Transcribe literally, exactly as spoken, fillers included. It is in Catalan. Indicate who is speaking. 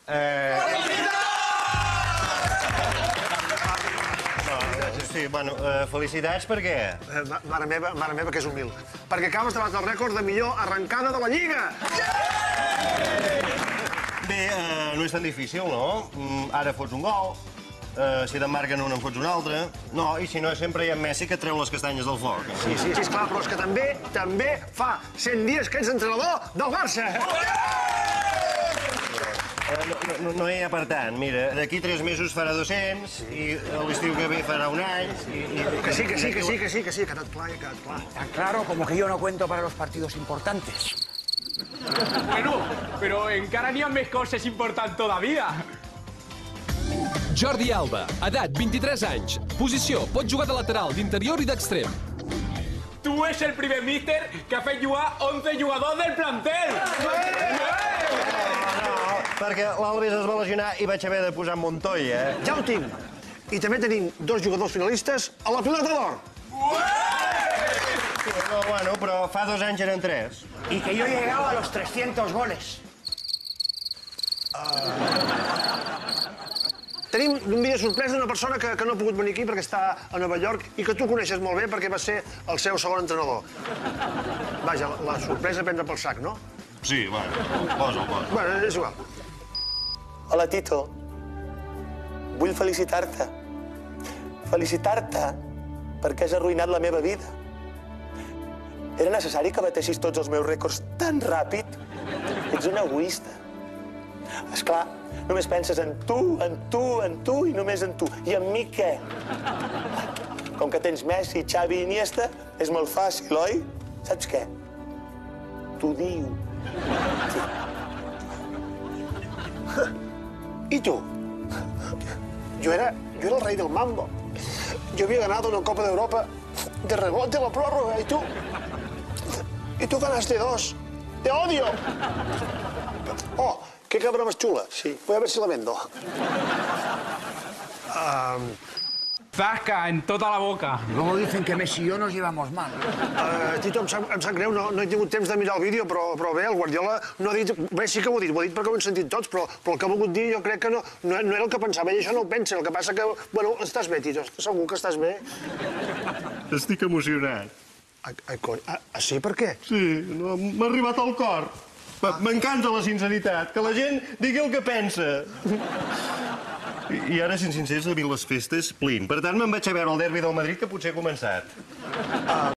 Speaker 1: Sí, bueno, felicitats per què?
Speaker 2: Mare meva, mare meva, que és humil. Perquè acabes de batre el rècord de millor arrencada de la Lliga!
Speaker 1: Bé, no és tan difícil, no? Ara fots un gol, si te'n marquen un en fots un altre. No, i si no, sempre hi ha Messi que treu les castanyes del foc.
Speaker 2: Sí, sí, sí, esclar, però és que també, també fa cent dies que ets entrenador del Barça!
Speaker 1: No, no hi ha per tant, mira, d'aquí tres mesos farà dos-cents, i l'estiu que ve farà un any, i...
Speaker 2: Que sí, que sí, que sí, que sí, que sí, que tot clar, que tot clar.
Speaker 3: Tan claro como que yo no cuento para los partidos importantes.
Speaker 4: Bueno, pero encara n'hi ha més coses importants todavía.
Speaker 5: Jordi Alba, edat vint-i-tres anys, posició, pot jugar de lateral, d'interior i d'extrem.
Speaker 4: Tu és el primer míster que ha fet jugar onze jugadors del plantel!
Speaker 1: Perquè l'Alves es va lesionar i vaig haver de posar Montoya, eh?
Speaker 2: Ja ho tinc. I també tenim dos jugadors finalistes a la pilota d'or.
Speaker 1: No, bueno, però fa dos anys eren tres.
Speaker 3: Y que yo he llegado a los trescientos goles.
Speaker 2: Tenim un vídeo sorpresa d'una persona que, que no ha pogut venir aquí perquè està a Nova York i que tu coneixes molt bé perquè va ser el seu segon entrenador. Vaja, la, la sorpresa prendre pel sac, no?
Speaker 1: Sí, bueno, posa'l, posa'l.
Speaker 2: Bueno, és igual.
Speaker 6: Hola, Tito. Vull felicitar-te. Felicitar-te perquè has arruïnat la meva vida. Era necessari que batessis tots els meus rècords tan ràpid? Ets un egoista. Esclar, només penses en tu, en tu, en tu i només en tu. I en mi què? Com que tens Messi, Xavi i Iniesta, és molt fàcil, oi? Saps què? T'ho diu. Sí.
Speaker 2: I tu? Jo era, jo era el rei del mambo. Jo havia ganado una Copa d'Europa de rebote a la pròrroga, i tu... I tu ganaste dos. Te odio. Oh, qué cabra más chula. Sí. Voy a ver si la vendo. Um,
Speaker 4: Zasca en tota la boca.
Speaker 3: Luego dicen que Messi y yo nos llevamos mal.
Speaker 2: uh, Tito, em sap, em sap greu, no, no he tingut temps de mirar el vídeo, però, però bé, el Guardiola no ha dit... Bé, sí que ho ha dit, ho ha dit perquè ho hem sentit tots, però, però el que ha volgut dir jo crec que no, no, no era el que pensava, ell això no ho pensa. El que passa que, bueno, estàs bé, Tito, segur que estàs bé.
Speaker 1: Estic emocionat.
Speaker 2: Ai, ai cony, ah, ah, sí, per què?
Speaker 1: Sí, no, m'ha arribat al cor. M'encanta la sinceritat, que la gent digui el que pensa. I, i ara, sent sincers, a mi les festes plin. Per tant, me'n vaig a veure el derbi del Madrid, que potser ha començat.